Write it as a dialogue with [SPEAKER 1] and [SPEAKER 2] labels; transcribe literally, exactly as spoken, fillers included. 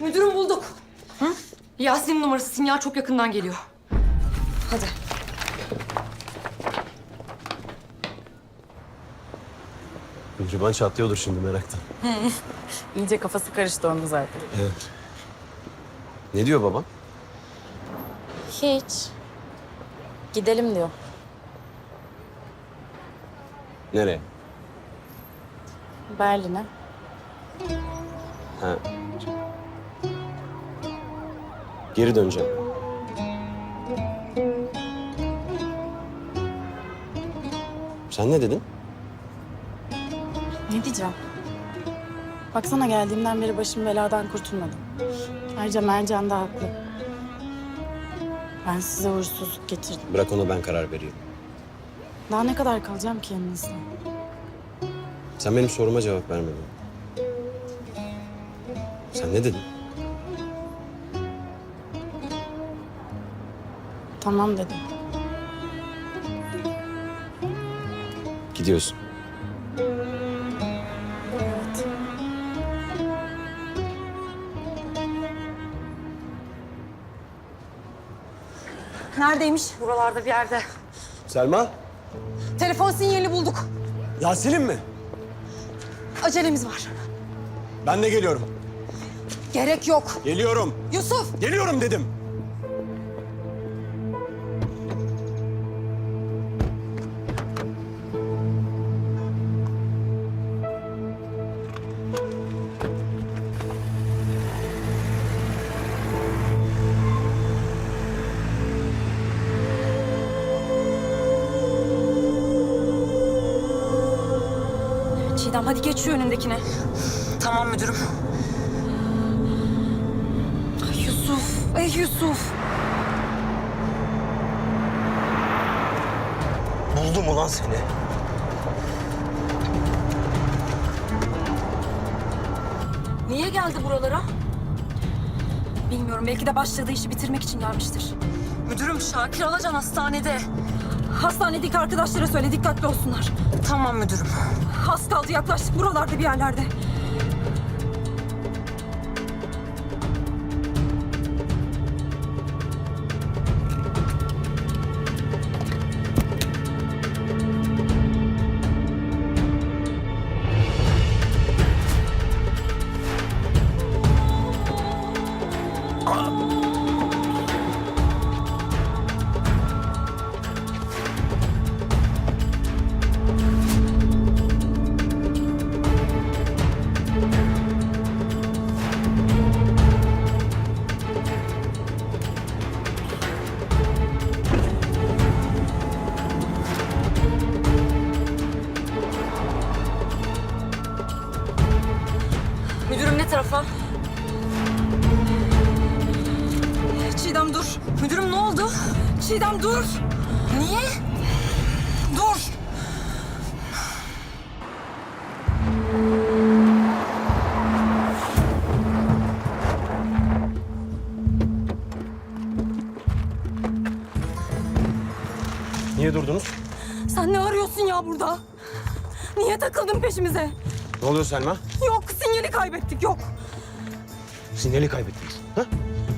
[SPEAKER 1] Müdürüm bulduk. Hı? Yasin'in numarası, sinyal çok yakından geliyor. Hadi.
[SPEAKER 2] Mihriban çatlıyordur şimdi meraktan.
[SPEAKER 3] İyice kafası karıştı onun zaten.
[SPEAKER 2] Evet. Ne diyor babam?
[SPEAKER 3] Hiç. Gidelim diyor.
[SPEAKER 2] Nereye?
[SPEAKER 3] Berlin'e.
[SPEAKER 2] Ha. Geri döneceğim. Sen ne dedin?
[SPEAKER 3] Ne diyeceğim? Baksana geldiğimden beri başım beladan kurtulmadım. Ayrıca Mercan da haklı. Ben size uğursuzluk getirdim.
[SPEAKER 2] Bırak ona, ben karar vereyim.
[SPEAKER 3] Daha ne kadar kalacağım ki yanınızda?
[SPEAKER 2] Sen benim soruma cevap vermedin. Sen ne dedin?
[SPEAKER 3] Tamam dedim.
[SPEAKER 2] Gidiyorsun.
[SPEAKER 3] Evet.
[SPEAKER 1] Neredeymiş? Buralarda bir yerde.
[SPEAKER 2] Selma?
[SPEAKER 1] Telefon sinyalini bulduk.
[SPEAKER 2] Yasin'in mi?
[SPEAKER 1] Acelemiz var.
[SPEAKER 2] Ben de geliyorum.
[SPEAKER 1] Gerek yok.
[SPEAKER 2] Geliyorum.
[SPEAKER 1] Yusuf!
[SPEAKER 2] Geliyorum dedim.
[SPEAKER 1] Çiğdem hadi geç şu önündekine. Tamam müdürüm. Ay Yusuf, ey Yusuf.
[SPEAKER 2] Buldum ulan seni.
[SPEAKER 1] Niye geldi buralara? Bilmiyorum, belki de başladığı işi bitirmek için gelmiştir. Müdürüm, Şakir Alacan hastanede. Hastanedeki arkadaşlara söyle, dikkatli olsunlar. Tamam müdürüm. Az kaldı, yaklaştık, buralarda bir yerlerde. Müdürüm ne tarafa? Çiğdem dur. Müdürüm ne oldu? Çiğdem dur. Niye? Dur.
[SPEAKER 2] Niye durdunuz?
[SPEAKER 1] Sen ne arıyorsun ya burada? Niye takıldın peşimize?
[SPEAKER 2] Ne oluyor Selma?
[SPEAKER 1] Yok, sinyali kaybettik, yok.
[SPEAKER 2] Sinyali kaybettiniz. Ha?